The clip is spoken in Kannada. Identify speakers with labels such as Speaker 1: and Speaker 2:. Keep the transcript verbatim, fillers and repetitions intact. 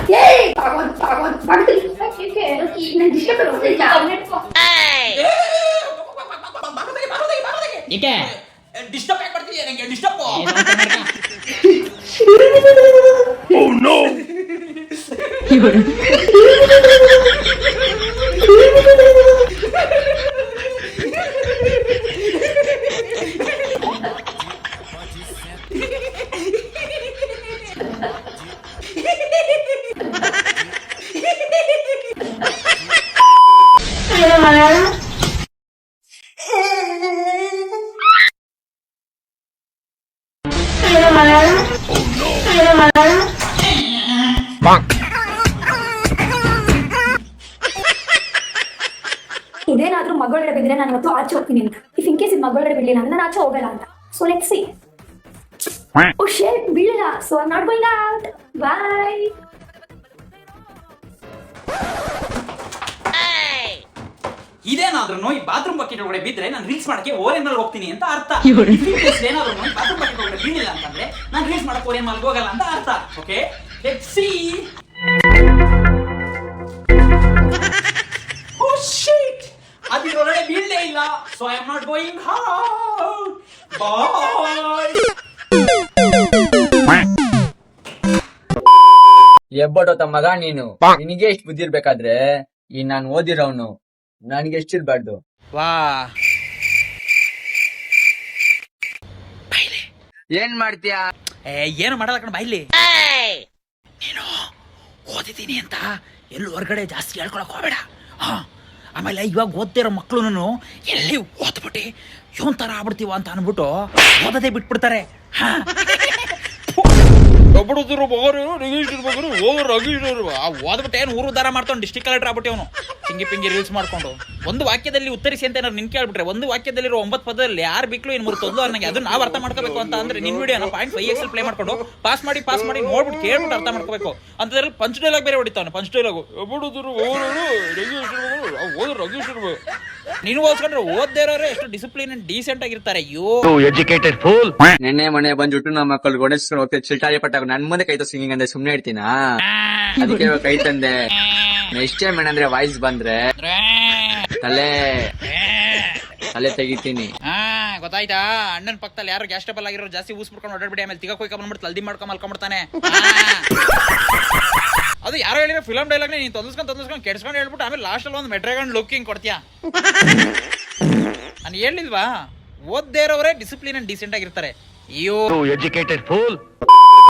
Speaker 1: ಡಿಸ್ಟರ್ಬ್ ಯಾಕೆ ಮಾಡ್ತಿದ್ಯಾ ನಂಗೆ ಡಿಸ್ಟರ್ಬ್
Speaker 2: Oh no!
Speaker 3: ಇದೇನಾದ್ರೂ ಮಗಳೊಡೆ ಬಿದ್ರೆ ನಾನು ಇವತ್ತು ಆಚೆ ಹೋಗ್ತೀನಿ ಅಂತ. ಇಫ್ ಇನ್ ಕೇಸ್ ಇದು ಮಗಳೊಡೆ ಬಿಡ್ಲಿಲ್ಲ ಅಂದ್ರೆ ನಾನು ಆಚೆ ಹೋಗಲ್ಲ ಅಂತ. So let's see. Oh shit, ಬೀಳಲ್ಲ. So I am not going out. Bye.
Speaker 1: ಇದೇನಾದ್ರೂ ಈ ಬಾತ್ರೂಮ್ ಬಕೆಟ್ ಒಳಗಡೆ ಬಿದ್ರೆ ನಾನು ರೀಲ್ಸ್ ಮಾಡಕ್ಕೆ ಓರೆನ್ ಮೇಲೆ ಹೋಗ್ತೀನಿ ಅಂತ ಅರ್ಥ. ಏನಾದ್ರೂ ಬಾತ್ರೂಮ್ ಬಕೆಟ್ ಒಳಗಡೆ ಬೀಳಿಲ್ಲ ಅಂತಂದ್ರೆ ನಾನು ರೀಲ್ಸ್ ಮಾಡಕ್ಕೆ ಓರೆನ್ ಮೇಲೆ ಹೋಗಲ್ಲ ಅಂತ ಅರ್ಥ. Okay, let's see. Oh shit, ಅದಿರೊಳಗಡೆ ಬೀಳಲೇ ಇಲ್ಲ. So I am not going out. Bye.
Speaker 4: ಎಬ್ಬಡೋತ ಮಗ ನೀನು, ನಿನಗೆ ಎಷ್ಟು ಬುದ್ಧಿ ಇರ್ಬೇಕಾದ್ರೆ ಈ ನಾನ್ ಓದಿರೋನು ನನಗೆ ಎಷ್ಟಿರ್ಬಾರ್ದು.
Speaker 1: ವಾ,
Speaker 4: ಏನ್ ಮಾಡ್ತೀಯಾ?
Speaker 1: ಏನು ಮಾಡಲ್ಲ ಕಣ, ಬಾಯ್ಲಿ. ನೀನು ಓದಿದ್ದೀನಿ ಅಂತ ಎಲ್ಲೂ ಹೊರಗಡೆ ಜಾಸ್ತಿ ಹೇಳ್ಕೊಳಕ್ ಹೋಗ್ಬೇಡ. ಹಾ, ಆಮೇಲೆ ಇವಾಗ ಓದ್ತಿರೋ ಮಕ್ಳು ಎಲ್ಲಿ ಓದ್ಬಿಟ್ಟು ಇವನ್ ತರ ಆಗ್ಬಿಡ್ತೀವ ಅಂತ ಅನ್ಬಿಟ್ಟು ಓದೋದೇ ಬಿಟ್ಬಿಡ್ತಾರೆ. ಹಾ, ಓದ್ಬಿಟ್ಟು ಏನು ಊರು ಉದ್ದಾರ ಮಾಡ್ತಾವ್ ಡಿಸ್ಟ್ರಿಕ್ಟ್ ಕಲೆಕ್ಟರ್ ಆಗ್ಬಿಟ್ಟು ಅವನು ಹಿಂಗಿ ಪಿಂಗಿ ರೀಲ್ಸ್ ಮಾಡ್ಕೊಂಡು. ಒಂದು ವಾಕ್ಯದಲ್ಲಿ ಉತ್ತರಿಸಿ ಅಂತ ಏನಾದ್ರು ನಿನ್ ಕೇಳ್ಬಿಟ್ರೆ ಒಂದು ವಾಕ್ಯದಲ್ಲಿರೋ ಒಂಬತ್ತು ಪದದಲ್ಲಿ ಯಾರು ಬಿಕ್ಲು ಇನ್ ಮೂರು ತೊಂದು ನನಗೆ ಅದನ್ನ ನಾವು ಅರ್ಥ ಮಾಡ್ಕೋಬೇಕು ಅಂತ ಅಂದ್ರೆ ನಿನ್ ವಿಡಿಯೋನ ಪಾಯಿಂಟ್ ಫೈವ್ ಎಕ್ಸ್ ಪ್ಲೇ ಮಾಡ್ಕೊಂಡು ಪಾಸ್ ಮಾಡಿ ಪಾಸ್ ಮಾಡಿ ನೋಡ್ಬಿಟ್ಟು ಕೇಳ್ಬಿಟ್ಟು ಅರ್ಥ ಮಾಡ್ಕೋಬೇಕು. ಅಂತದ್ರಲ್ಲಿ ಪಂಚ್ ಡೈಲಾಗ್ ಬೇರೆ ಹೊಡಿತಾವನು. ಪಂಚ್ ಡೈಲಾಗು ನೀನು ಓದ್ಕೊಂಡ್ರೆ ಓದ್ದೇ ಇರೋರು ಎಷ್ಟು ಡಿಸಿಪ್ಲಿನ್ ಅಂಡ್ ಡೀಸೆಂಟ್ ಆಗಿರ್ತಾರೆ. ಅಯ್ಯೋ
Speaker 2: ಎಜುಕೇಟೆಡ್ ಫೂಲ್.
Speaker 4: ನೆನ್ನೆ ಮನೆ ಬಂದ್ಬಿಟ್ಟು ನಮ್ಮ ಮಕ್ಕಳು ಗೋಣಿಸ್ಕೊಂಡು ಹೋಗ್ತಾ ಚಿಲ್ಟಾರಿ ಪಟ್ಟಾಗ ನನ್ ಮುಂದೆ ಕೈ ಸಿಂಗಿಂಗ್ ಅಂದ್ರೆ ಸುಮ್ನೆ ಇಡ್ತೀನಾ? ಅದಕ್ಕೆ ಕೈ ತಂದೆ. ನೆಕ್ಸ್ಟ್ ಟೈಮ್ ಏನಂದ್ರೆ ವಾಯ್ಸ್ ಬಂದ್ರೆ ತಲೆ ತಲೆ ತೆಗಿತೀನಿ.
Speaker 1: ಹಾ, ಗೊತ್ತಾಯ್ತಾ? ಅಣ್ಣನ ಪಕ್ಕದಲ್ಲಿ ಯಾರು ಗ್ಯಾಸ್ ಟೇಬಲ್ ಆಗಿರೋ ಜಾಸ್ತಿ ಊಸ್ ಬಿಡ್ಕೊಂಡು ಓಡಾಡ್ಬಿಡಿ. ಆಮೇಲೆ ತಿಗ ಕೊಯ್ಕ ಬಂದ್ಬಿಟ್ಟು ತಲ್ದಿ ಮಾಡ್ಕೊಂಡ್ ಮಲ್ಕೊಂಡ್ಬಿಡ್ತಾನೆ. ಅದು ಯಾರೋ ಹೇಳಿರೋ ಫಿಲಮ್ ಡೈಲಾಗ್ ನೀನ್ ತೊಂದಸ್ಕೊಂಡ್ ತೊಂದಸ್ಕೊಂಡ್ ಕೆಡ್ಸ್ಕೊಂಡು ಹೇಳ್ಬಿಟ್ಟು ಆಮೇಲೆ ಲಾಸ್ಟ್ ಅಲ್ಲಿ ಒಂದು ಮೆಟ್ರೆಗಂಡ್ ಲುಕ್ಕಿಂಗ್ ಕೊಡ್ತೀಯಾ? ನಾನು ಹೇಳಿಲ್ವಾ, ಓದ್ದೇ ಇರೋರೇ ಡಿಸಿಪ್ಲಿನ್ ಅಂಡ್ ಡೀಸೆಂಟ್ ಆಗಿರ್ತಾರೆ. ಅಯ್ಯೋ
Speaker 2: ಎಜುಕೇಟೆಡ್ ಫೂಲ್.